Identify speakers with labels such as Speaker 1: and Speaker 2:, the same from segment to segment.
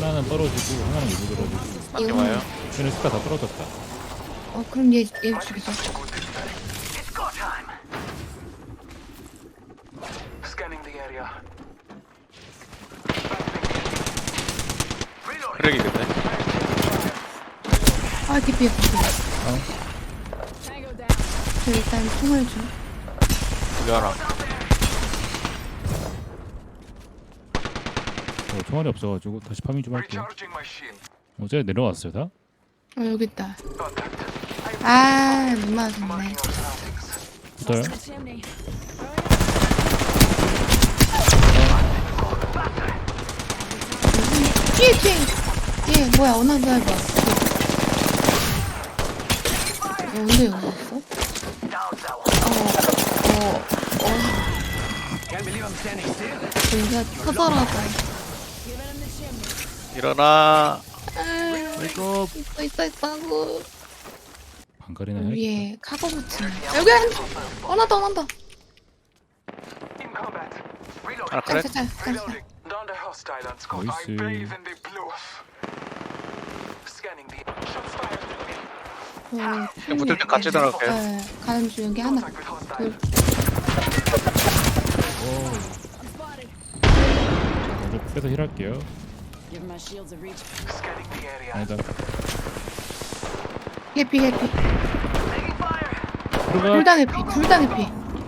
Speaker 1: 하나는 떨어지고 하나는 여기 떨어지고.
Speaker 2: 맞게
Speaker 3: 이거-
Speaker 2: 와요.
Speaker 1: 쟤네 스카 다 떨어졌다.
Speaker 3: 그럼 얘 죽이자.
Speaker 2: 크랙이겠네.
Speaker 3: 아, DP. 저 일단 총을 줘.
Speaker 2: 여기 하나.
Speaker 1: 총알이 없어가지고 다시 파밍 좀 할게요. 쟤 내려왔어요 다?
Speaker 3: 여기 있다. 아, 못 맞았네.
Speaker 1: 붙어요?
Speaker 3: 뒤에. 얘 뭐야? 어느 날 봐. 언제 여기 있어? 뭔가 커다랗다.
Speaker 2: 일어나.
Speaker 1: 아이고.
Speaker 3: 있다고.
Speaker 1: 방갈이나 해.
Speaker 3: 위에 카고 붙이네. 여기 원한다.
Speaker 2: 하나 크랙.
Speaker 3: 짤.
Speaker 1: 나이스.
Speaker 2: 붙을 때 같이 들어갈게요.
Speaker 3: 네, 가는 중 여기 하나. 둘.
Speaker 1: 먼저 빼서 힐할게요. 아니다.
Speaker 3: 해피.
Speaker 1: 들어가.
Speaker 3: 둘 다 해피.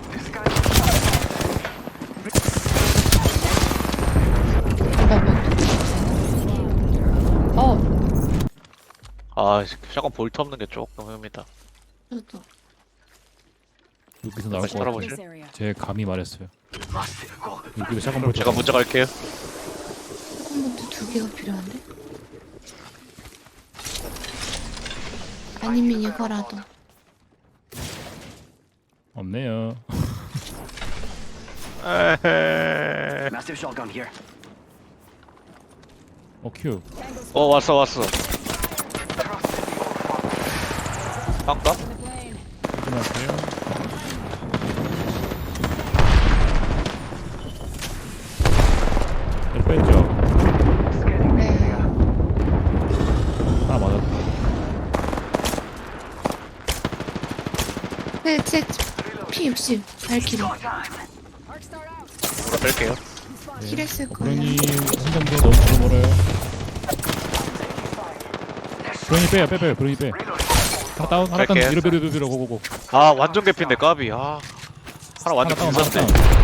Speaker 2: 아, 샷건 볼트 없는 게 조금 흡니다.
Speaker 3: 저도.
Speaker 1: 여기서 나올
Speaker 2: 다시
Speaker 1: 것 같아.
Speaker 2: 따라보실?
Speaker 1: 제 감이 말했어요. 여기도 샷건 볼
Speaker 2: 제가 먼저 갈게요.
Speaker 3: 조금부터 두 개가 필요한데? 아니면 이거라도.
Speaker 1: 없네요.
Speaker 2: 에헤.
Speaker 4: Massive shotgun here.
Speaker 1: 큐.
Speaker 2: 왔어. 빵가?
Speaker 1: 조심하세요. 뺐죠.
Speaker 3: 네.
Speaker 1: 하나 맞았다.
Speaker 3: 제 P60 발키리.
Speaker 2: 뭐라 뺄게요.
Speaker 3: 힐했을 거예요.
Speaker 1: 브로니 한점더 너무 멀어요. 브로니 빼요. 브로니 빼. 하나 다운.
Speaker 2: 갈게요.
Speaker 1: 밀어 고고고.
Speaker 2: 아, 완전 개피인데 까비. 하나 완전
Speaker 1: 하나 다운.
Speaker 2: 빈선데.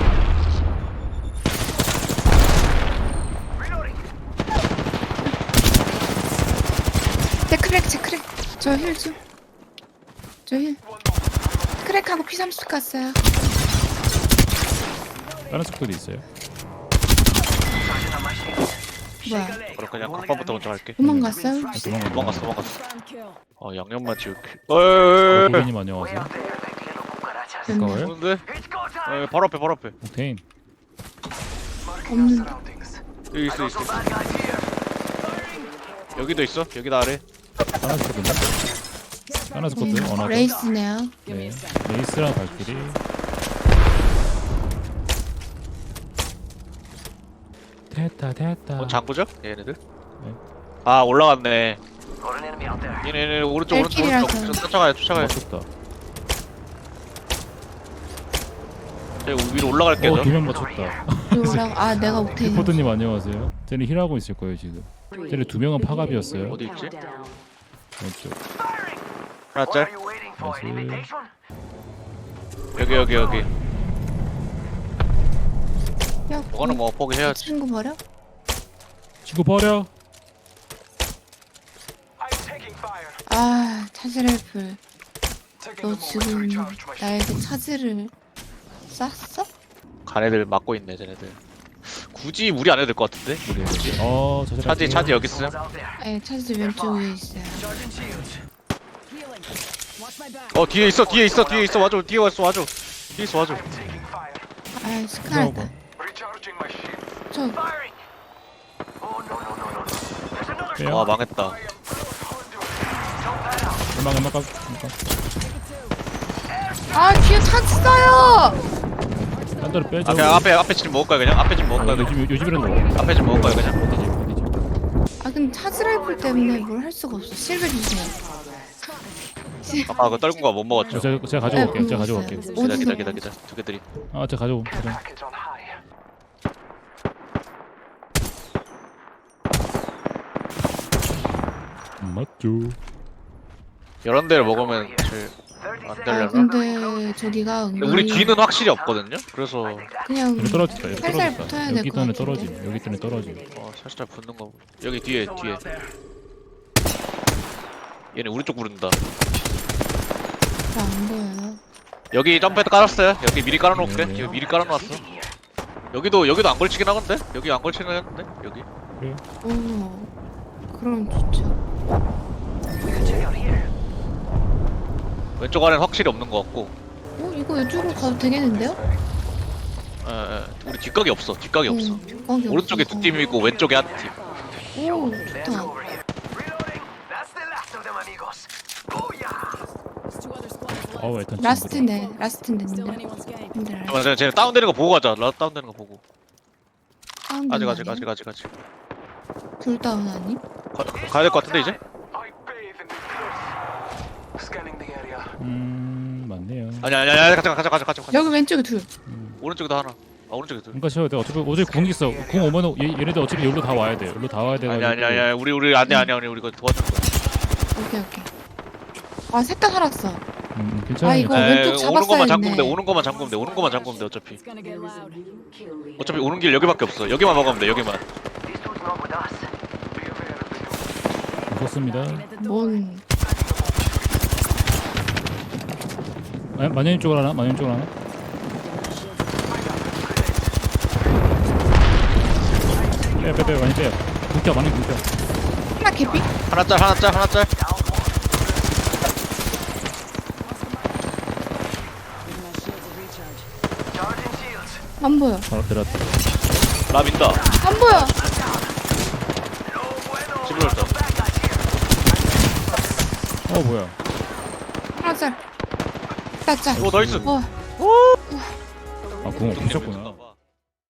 Speaker 3: 제 크랙. 저 힐 좀. 저 힐. 크랙하고 P30 갔어요.
Speaker 1: 다른 속도도 있어요.
Speaker 3: 뭐야?
Speaker 2: 그럼 그냥 각반부터 먼저 갈게.
Speaker 3: 도망갔어요?
Speaker 2: 도망갔어. 양념만 지울게.
Speaker 1: 고객님 안녕하세요. 가까워요?
Speaker 2: 뭔데? 바로 앞에.
Speaker 1: 옥테인.
Speaker 3: 없는데.
Speaker 2: 여기 있어. 여기도 있어. 여기도 아래.
Speaker 1: 하나 스쿼드네. 하나 스쿼드. 어나더.
Speaker 3: 레이스네요.
Speaker 1: 네. 레이스랑 발길이. 됐다.
Speaker 2: 장구죠? 얘네들?
Speaker 1: 네.
Speaker 2: 아, 올라갔네.
Speaker 4: Got an enemy out there.
Speaker 2: 얘네 오른쪽.
Speaker 3: 발길이라서.
Speaker 2: 쫓아가요.
Speaker 1: 맞췄다.
Speaker 2: 제가 위로 올라갈게요. 저.
Speaker 1: 두명 맞췄다.
Speaker 3: 뭐라고? 아, 내가 오테인.
Speaker 1: 리포트님 안녕하세요. 쟤네 힐하고 있을 거예요 지금. 쟤네 두 명은 파갑이었어요.
Speaker 2: 어디 있지?
Speaker 1: 왼쪽.
Speaker 2: 하나
Speaker 4: What
Speaker 2: 짤.
Speaker 4: are you waiting for? An invitation?
Speaker 2: 여기.
Speaker 3: 야,
Speaker 2: 뭐가는 뭐 포기해야지.
Speaker 3: 친구 버려?
Speaker 1: 친구 버려.
Speaker 3: 아, 차지랄풀. 너 지금 나에게 차지를 쐈어?
Speaker 2: 간 애들 막고 있네, 쟤네들. 굳이 무리 안 해도 될 것 같은데?
Speaker 1: 저들
Speaker 2: 차지 여기 있음.
Speaker 4: Someone's out there.
Speaker 3: 네, 차지 왼쪽 위에 있어요.
Speaker 4: Charging shields.
Speaker 2: 뒤에 있어. 와줘. 뒤에 와줘.
Speaker 3: 아, 스카르다. 저,
Speaker 4: Firing. Oh no. There's another.
Speaker 1: 빼요.
Speaker 2: 망했다.
Speaker 1: 음악.
Speaker 3: 아, 뒤에 차지 써요!
Speaker 1: 딴 데로 빼죠.
Speaker 2: 앞에 집 먹을까요, 그냥? 앞에 집 먹을까요, 그냥?
Speaker 1: 요즘이라도 먹어.
Speaker 2: 앞에 집 먹을까요, 그냥?
Speaker 1: 어디지?
Speaker 3: 아, 근데 차즈라이플 때문에 뭘 할 수가 없어. 실드 주세요.
Speaker 2: 아까 그 떨군 거 못 먹었죠?
Speaker 1: 제가 가져올게요. 제가 가져올게요.
Speaker 2: 기다. 두 개 드림.
Speaker 1: 아, 제가 가져오.
Speaker 4: Package on high.
Speaker 1: 맞죠.
Speaker 2: 이런 데를 먹으면 제일 안
Speaker 3: 아
Speaker 2: 되려나?
Speaker 3: 근데 저기가
Speaker 2: 근데 우리
Speaker 3: 은근히
Speaker 2: 뒤는 확실히 없거든요? 그래서
Speaker 3: 그냥
Speaker 1: 여기 떨어졌다. 여기
Speaker 3: 살살
Speaker 1: 떨어졌다.
Speaker 3: 붙어야 될
Speaker 1: 여기
Speaker 3: 것
Speaker 1: 때문에
Speaker 3: 같은데.
Speaker 1: 떨어짐. 여기 때문에 떨어짐.
Speaker 2: 살짝 붙는 거 보고. 여기 뒤에 얘네 우리 쪽 부른다.
Speaker 3: 잘 안 보여요.
Speaker 2: 여기 점프해도 깔았어요. 여기 미리 깔아놓을게.
Speaker 1: 네.
Speaker 2: 여기 미리 깔아놓았어. 여기도 안 걸치긴 하건데? 여기 안 걸치긴 하는데? 여기?
Speaker 3: 오 그럼 좋죠.
Speaker 4: We can check out here.
Speaker 2: 왼쪽 아래는 확실히 없는 것 같고.
Speaker 3: 이거 이쪽으로 가도 되겠는데요?
Speaker 2: 우리 뒷각이 없어. 뒷각이 없어.
Speaker 3: 거기
Speaker 2: 오른쪽에
Speaker 3: 없어서.
Speaker 2: 두 팀이고 왼쪽에 한 팀.
Speaker 3: 오
Speaker 4: Let's
Speaker 3: 좋다.
Speaker 4: go over here. Reloading. That's the last of them, amigos. Booyah!
Speaker 1: 어우, 일단
Speaker 3: 라스트네 라스트인데 님들. 님들 알아.
Speaker 2: 잠깐만, 쟤네 다운되는 거 보고 가자. 라스 다운되는 거 보고. 아직.
Speaker 3: 둘 다운 아니?
Speaker 2: 가야 될 것 같은데 이제?
Speaker 4: I bathe in this place. Scanning the area.
Speaker 1: 맞네요.
Speaker 2: 아니야. 가자.
Speaker 3: 여기 왼쪽에 둘.
Speaker 2: 오른쪽에도 하나. 오른쪽에 둘.
Speaker 1: 그러니까 쉬어야 돼. 어차피 궁 있어. 궁 오면은 얘네들 어차피 여기로 다 와야 돼. 여기로 다 와야 돼.
Speaker 2: 아니야. 우리 아니야. 우리 이거 도와줄 거야.
Speaker 3: 오케이. 아 셋 다 살았어.
Speaker 1: 괜찮아요.
Speaker 3: 아, 이거 왼쪽
Speaker 2: 오는
Speaker 3: 잡았어야
Speaker 2: 것만 잠그면 돼.
Speaker 3: 했네.
Speaker 2: 오는 것만 잠그면 돼. 어차피. 어차피 오는 길 여기밖에 없어. 여기만 막으면 돼. 여기만.
Speaker 4: These dudes not with us. Be aware of the door.
Speaker 1: 무섭습니다.
Speaker 3: 뭔
Speaker 1: 마녀님 쪽으로 하나? 빼, 많이 빼요. 궁켜, 많이 궁켜.
Speaker 3: 하나 개피?
Speaker 2: 하나 짤.
Speaker 4: Charging shields.
Speaker 3: 안 보여.
Speaker 1: 바로 들었다.
Speaker 2: 나 민다.
Speaker 3: 안 보여.
Speaker 4: No bueno.
Speaker 2: 집으로 왔다.
Speaker 4: Bad guys here.
Speaker 1: 뭐야.
Speaker 3: 하나 짤. 짤.
Speaker 2: 오 나이스.
Speaker 3: 어
Speaker 1: 궁 없으셨구나.